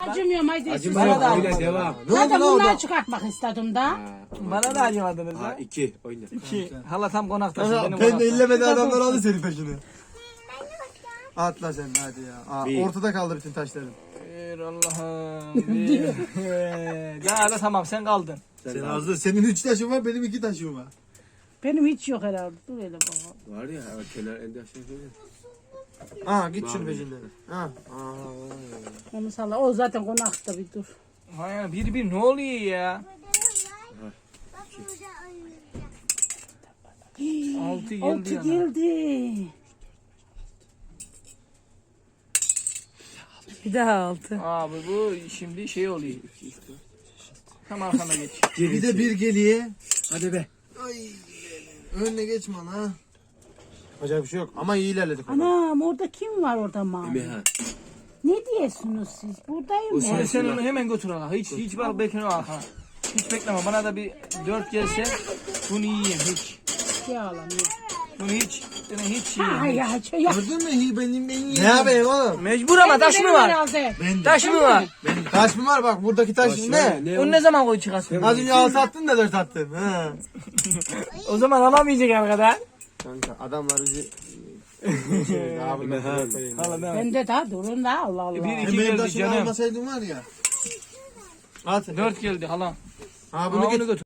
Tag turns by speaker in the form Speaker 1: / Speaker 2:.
Speaker 1: Acımıyorum haydi.
Speaker 2: Acımıyor.
Speaker 3: Bana da
Speaker 2: Öyle
Speaker 3: acımadı.
Speaker 2: devam.
Speaker 1: Zaten bunları çıkartmak istedim da.
Speaker 3: Bana da acımadınız
Speaker 2: Ha
Speaker 3: ha.
Speaker 2: 2 oyna.
Speaker 3: İki. Hala tam konaktasın.
Speaker 4: Aha,
Speaker 3: Benim
Speaker 4: ben de
Speaker 3: konakta.
Speaker 4: illemedi adamlar aldı senin taşını. Atla sen hadi ya. Aa,
Speaker 2: Bir.
Speaker 4: ortada kaldı bütün taşların.
Speaker 3: Bir Allah'ım. Bir. Ya hala tamam sen kaldın.
Speaker 4: Sen azdı. Senin 3 taşın var, benim 2 taşım var.
Speaker 1: Benim hiç yok herhalde. Dur hele baba.
Speaker 2: Var ya kenar elde aşağı şöyle.
Speaker 4: Aa git şunun peşinden. Ha.
Speaker 1: Onu salla. O zaten konakta bir dur.
Speaker 3: Hayır bir ne oluyor ya? 6 geldi
Speaker 1: Altı
Speaker 3: yana.
Speaker 1: geldi. Bir daha altı.
Speaker 3: Abi bu şimdi şey oluyor. Tam arkana geç.
Speaker 4: Bir de bir geliye.
Speaker 2: Hadi be.
Speaker 4: Ay. Önüne geçme lan ha. Acayip bir şey yok ama iyi ilerledik.
Speaker 1: Anam orada kim var orada mavi?
Speaker 2: Emehan.
Speaker 1: Ne diyorsunuz siz? Buradayım
Speaker 2: O
Speaker 1: ben.
Speaker 3: Sen onu hemen götür hala. Hiç bak bekle arkana. Hiç bekleme. Bana da bir 4 gelse bunu yiyeyim hiç.
Speaker 1: Ya lan ya.
Speaker 3: Bunu hiç
Speaker 1: Ha
Speaker 3: yiyeyim.
Speaker 1: ya ya.
Speaker 4: Gördün mü? İyi benim en iyi. Ne yapayım oğlum?
Speaker 3: Mecbur ama taş mı
Speaker 1: Benim
Speaker 3: var?
Speaker 1: herhalde.
Speaker 3: Taş mı var?
Speaker 4: Taş mı var bak buradaki taş ne?
Speaker 3: Onu ne zaman koy çıkarsın?
Speaker 4: Az önce 6 attın da 4 attın. Ha.
Speaker 3: O zaman alamayacak arkadaş.
Speaker 4: Kanka adamlar bizi abi
Speaker 2: Emehan.
Speaker 3: Hala ben.
Speaker 1: Ben de daha durun da Allah Allah.
Speaker 3: Bir iki
Speaker 4: benim
Speaker 3: geldi
Speaker 4: taşımı
Speaker 3: canım.
Speaker 4: almasaydın var ya. At.
Speaker 3: 4 geldi hala.
Speaker 4: Ha
Speaker 3: Bunu
Speaker 4: bunu
Speaker 3: götür.